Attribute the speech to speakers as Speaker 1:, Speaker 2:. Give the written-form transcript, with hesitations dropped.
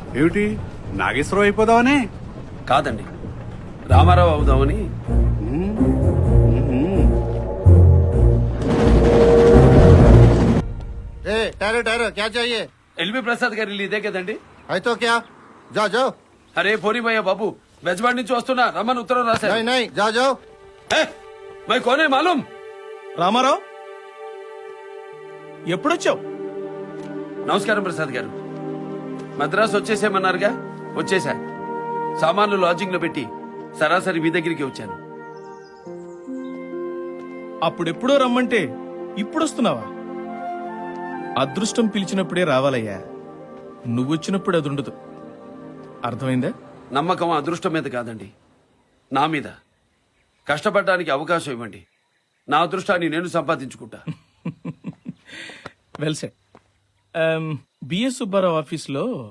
Speaker 1: ఏమిటి నాగేశ్వరం అయిపోదామని?
Speaker 2: కాదండి, రామారావు అవుదామని.
Speaker 3: ठहरो ठहरो क्या चाहिए?
Speaker 2: ఎల్వి ప్రసాద్ గారి ఇల్లు ఇదే కదండి?
Speaker 3: है तो क्या जाओ जाओ।
Speaker 2: అరే పోనీ భయ్య బాబు, బెజవాడి నుంచి వస్తున్నా, రమ్మని ఉత్తరం రాశారు.
Speaker 3: नहीं नहीं जाओ जाओ।
Speaker 2: మై కోనే మాలూం.
Speaker 4: రామారావు ఎప్పుడొచ్చావు?
Speaker 2: నమస్కారం ప్రసాద్ గారు. మద్రాసు వచ్చేసేమన్నారుగా, వచ్చేసా. సామాన్లు లాడ్జింగ్ లో పెట్టి సరాసరి మీ దగ్గరికి వచ్చాను.
Speaker 4: అప్పుడెప్పుడో రమ్మంటే ఇప్పుడొస్తున్నావా? అదృష్టం పిలిచినప్పుడే రావాలయ్యా, నువ్వొచ్చినప్పుడు అది ఉండదు. అర్థమైందా?
Speaker 2: నమ్మకం అదృష్టం మీద కాదండి, నా మీద. కష్టపడడానికి అవకాశం ఇవ్వండి, నా అదృష్టాన్ని నేను సంపాదించుకుంటా.
Speaker 4: Well set. బిఎస్ సుబ్బారావు ఆఫీస్లో